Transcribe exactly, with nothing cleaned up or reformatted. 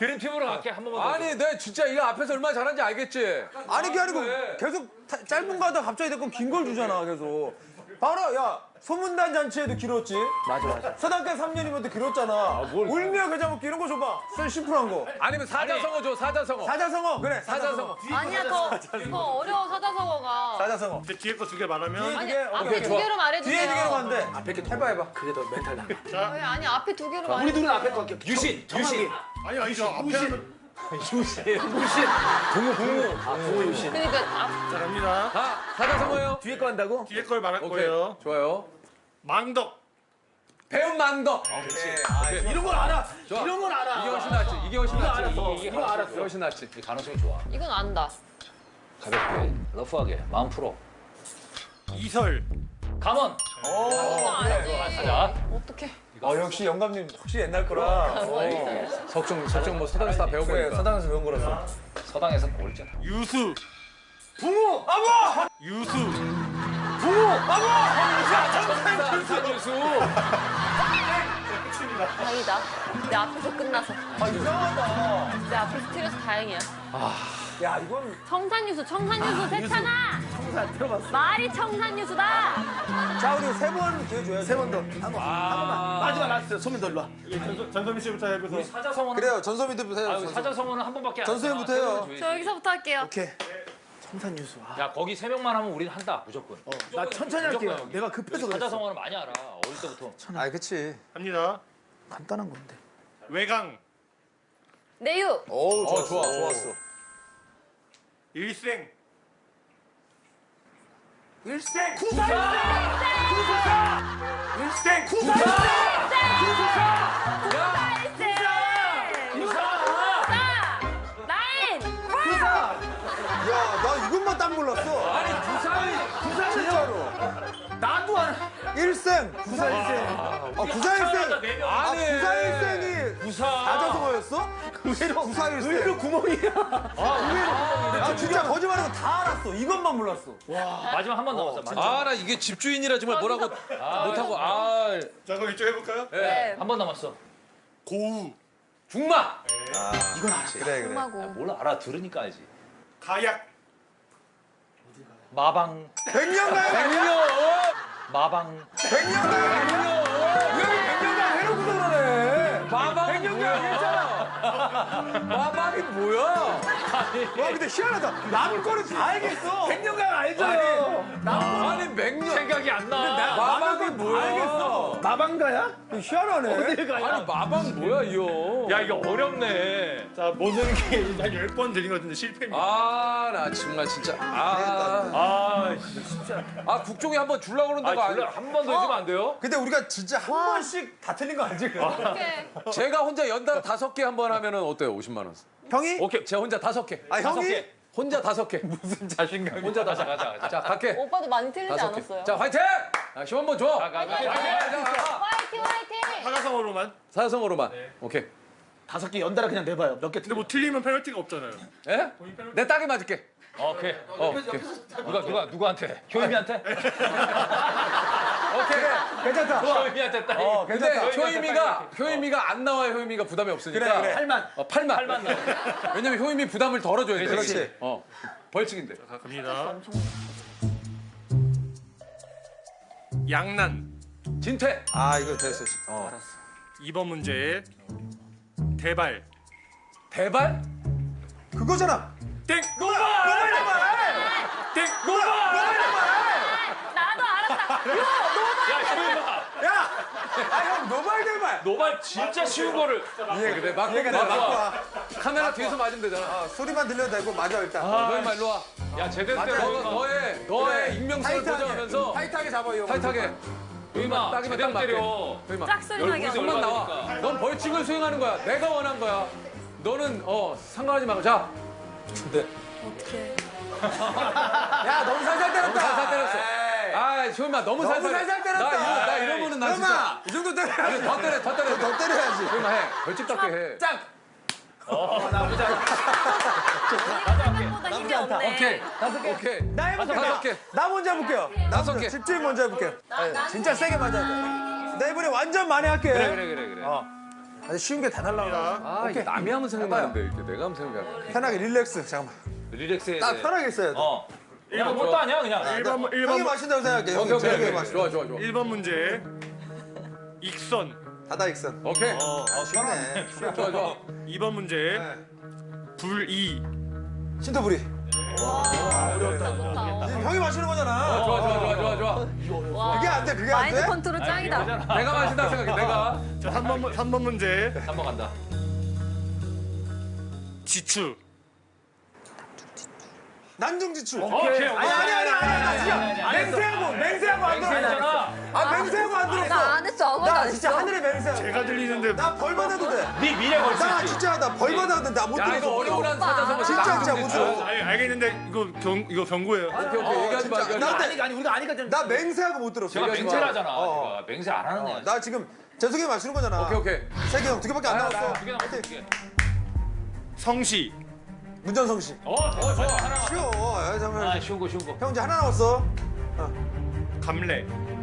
그린팀으로 갈게 한 번만 더. 아니 내 진짜 이거 앞에서 얼마나 잘하는지 알겠지? 아니 그게 아니고 계속 타- 짧은 거 하다가 갑자기 내건 긴 걸 주잖아 계속. 바로 야 소문단 잔치에도 길었지. 맞아 맞아. 서당계 삼 년이면 또 길었잖아. 울며 겨자 먹기 이런 거 줘봐. 썰 심플한 거. 아니면 사자성어 줘 사자성어. 사자성어 그래. 사자성어. 아니야, 그거, 그거 어려워, 사자성어가. 사자성어. 근데 뒤에 거 두 개 말하면 아니, 개, 앞에 오케이, 두 좋아. 개로 말해주세요. 뒤에 두 개로 가면 돼. 앞에 게 해봐 해봐. 그게 더 멘탈 나. 왜, 아니, 앞에 두 개로 우리 말해주세요. 둘은 앞에 거 할게요. 유신 유신. 아니 아니죠. 앞에 하면 붕어 붕어. 아, 부모 유신. 그러니까, 앞, 자 갑니다. 아 사자성어요? 뒤에 거 한다고? 뒤에 걸 말할 오케이 거예요. 좋아요. 망덕. 배운 망덕. 오케이. 이런 건 알아. 좋아. 이런 건 알아. 이게 훨씬 낫지. 이게 훨씬 낫지. 알았어. 이게 이거 알았어. 이게 훨씬 낫지. 이 가능성이 좋아. 이건 안다. 가볍게, 러프하게, 마음 풀어. 이설. 감원. 이건 알지. 가자. 어떡해. 어 역시 영감님 혹시 옛날 거라. 뭐 있어요? 석중 석중 뭐 서당에서 다 배운 그래 거니까. 서당에서 배운 거라서. 서당에서 모르잖아. 유수. 붕어 아버. 유수. 붕어 아버. 산유수. 다행이다. 내 앞에서 끝나서. 아 이상하다. 내 앞에서 틀려서 다행이야. 야 이건 청산유수, 청산유수 세찬아! 청산 들어봤어. 말이 청산유수다! 자 우리 세 번 기회 줘요. 세 번 더. 한 번. 한 번만. 마지막 라스트. 소민 더 일로 와. 전소, 전소민 씨부터 해보세요. 사자성어는 그래요 전소민부터 해요. 아, 전소민. 사자성어는 한 번밖에 안 전소민부터 돼. 해요. 저 여기서부터 할게요. 오케이. 청산유수. 아, 야 거기 세 명만 하면 우리는 한다 무조건. 나 천천히 할게요. 무조건. 내가 급해서 그랬어. 사자성어는 많이 알아. 어릴 때부터. 아 그치. 합니다. 간단한 건데. 외강. 내유! 오 어 좋아 좋았어. 일생. 일생 구사 일생 구사 나인! 야나 이것만 딱 몰랐어. 아니 부산이 구사 진짜로. 나도 알아. 일생 구사 일생. 아 구사 일생. 아 아니. 구사 일생이 부사. 사자성어였어? 의외로 구사 일생. 의외로 구멍이야. 아 진짜 거짓말하고 다 알았어. 이것만 몰랐어. 마지막 한 번 남았어. 마지막. 아 나 이게 집주인이라 정말 뭐라고 못하고 아 자 그럼 이쪽 해볼까요? 네. 한 번 남았어. 고우. 중마. 이건 알지. 그래 그래. 엄마고. 몰라 알아 들으니까 알지. 가약. 마방. 백년가요? 백년. 마방. 백년가요? 백년. 왜 백년가 해놓고서 그러네. 마방 백년가 괜찮아. 마방이 뭐야? 와 근데 희한하다. 남 거는 다 알겠어. 백년가 알죠. 아니 백년. 생각이 안 나. 마방이 다 뭐야? 알겠어. 마방가야? 희한하네. 어딜 가야? 아니 마방 뭐야 이거? 야 이거 어렵네. 자 모든 게한 열 번 드린 것 같은데 실패입니다. 아 나 정말 진짜 아, 아, 아 국종이 한번 줄라 그러는데 아, 아, 줄라 한번 더 해주면 안 돼요? 근데 우리가 진짜 한 번씩 다 틀린 거 알지? 어떡해. 제가 혼자 연달 다섯 개 한 번 하면은 어때요? 오십만 원. 형이? 오케이 제가 혼자 다섯 개. 아 다섯 형이? 개. 혼자 다섯 개. 무슨 자신감? 혼자 다섯 개. 가자 가자. 자 갈게. 오빠도 많이 틀리지 다섯 개. 않았어요? 자 화이팅! 아, 힘 한번 줘. 가, 가, 가. 화이팅, 화이팅! 사자성어로만. 사자성어로만. 오케이. 다섯 개 연달아 그냥 내봐요. 몇 개 근데 뭐 틀리면 페널티가 없잖아요. 예? 내 딱이 맞을게. 오케이. 어, 오케이. 누가 누가 누구한테? 효임이한테? 오케이. 괜찮다. 효임이한테 따. 어 근데 괜찮다. 효임이가 효임이가 안 나와야 효임이가 부담이 없으니까. 그래, 그래. 팔만. 어, 팔만. 팔만 나와. 왜냐면 효임이 부담을 덜어줘야 돼. 그렇지. 어. 벌칙인데. 자 갑니다. 양난. 진퇴. 아 이거 됐어. 어. 이번 문제. 대발. 대발? 그거잖아. 땡. 노발 노발. 땡. 나도 알았다. 야 효임아. 야. 아형 노발 대발. 노발 진짜 쉬운 거를. 예, 그래. 막 얘가 막 나 와. 맞고 와. 카메라 뒤에서 맞으면 되잖아. 어, 소리만 들려도 되고 맞아 일단. 너 임마 일로 와. 야 제대로 맞아. 너, 때려. 너의 너의 익명성을 타이트하게. 보장하면서 타이트하게 잡아 이거. 타이트하게. 효임아 딱이면 제대로 딱 맞게. 때려. 효임아. 짝소리 나게 하고. 손만 나와. 넌 벌칙을 수행하는 거야. 내가 원한 거야. 너는 어 상관하지 말고 자. 네. 어떡해. 야 너무 살살 때렸다. 너무 살살 때렸어. 에이. 아, 효임아 너무 너무 살살. 살살 때렸다. 나 이러 나 이러면은 나 진짜. 형아 이 정도 아니, 때려야지. 더 때려, 더 때려. 더 때려야지. 효임아 해. 벌칙답게 해. 짝. 생각보다 힘이 없네. 오케이. 다섯 개. 오케이. 나 해볼게. 다섯 개. 나 먼저 해볼게요. 다섯 나 개. 집주인 먼저 해볼게요. 나- 나는 진짜 세게 맞아야 돼. 나 이번에 완전 많이 할게. 그래, 그래, 그래, 그래. 어. 아주 쉬운 게 다 날라와. 아, 이게 남이 하면 생각나는데 이렇게 내가 하면 생각이 안 나. 편하게 릴렉스. 잠깐만. 릴렉스해. 딱 편하게 있어야 돼. 어. 야, 뭣도 아니야 그냥. 일 번 형이 일 번 마신다고 생각해. 형이 오케이, 오케이, 형이 오케이. 마신다. 좋아, 좋아, 좋아. 일 번 문제. 익선. 다다익선. 오케이. 어, 어, 쉽네. 좋아, 좋아. 이 번 문제. 네. 불이. 신토부리. 좋다. 지금 형이 마시는 거잖아. 좋아, 좋아, 좋아, 좋아, 좋아. 와. 그게 안 돼, 그게 안 마인드 돼? 컨트롤 짱이다. 내가 마신다 생각해, 내가. 자, 삼 번 삼 번 문제. 한번 간다. 지추. 난중지출. 오케이. 아니 아니 아니 아니 나 진짜 맹세하고 맹세하고 안 들어. 맹세잖아. 아 맹세하고 안 들었어. 나 안 했어. 아무것도 나 안 진짜 했어. 하늘에 맹세. 제가 들리는데 나 벌 받아도 돼. 네 미래 걸 수 나 있지. 진짜 나 벌 받아도 돼. 나 못 야, 이거 들었어. 어려운 사자성어 진짜 진짜 못 들어. 알, 알겠는데 이거 경 이거 경고예요. 오케이, 오케이. 얘기하지 마, 얘기하지 마. 나 아니 아니 우리가 아니까 좀. 나 맹세하고 못 들었어. 제가 얘기하지 마. 맹세하잖아. 어. 제가 맹세 안 하는 애야. 나 지금 재석이 마시는 거잖아. 오케이, 오케이. 세개 형 두 개밖에 안 아, 나왔어. 두개 남았어. 두 개. 성시. 문전성 씨. 어, 좋아, 좋아. 하나. 쉬워. 야, 잠깐만. 아, 쉬운 거, 쉬운 거. 형 이제 하나 남았어. 감래.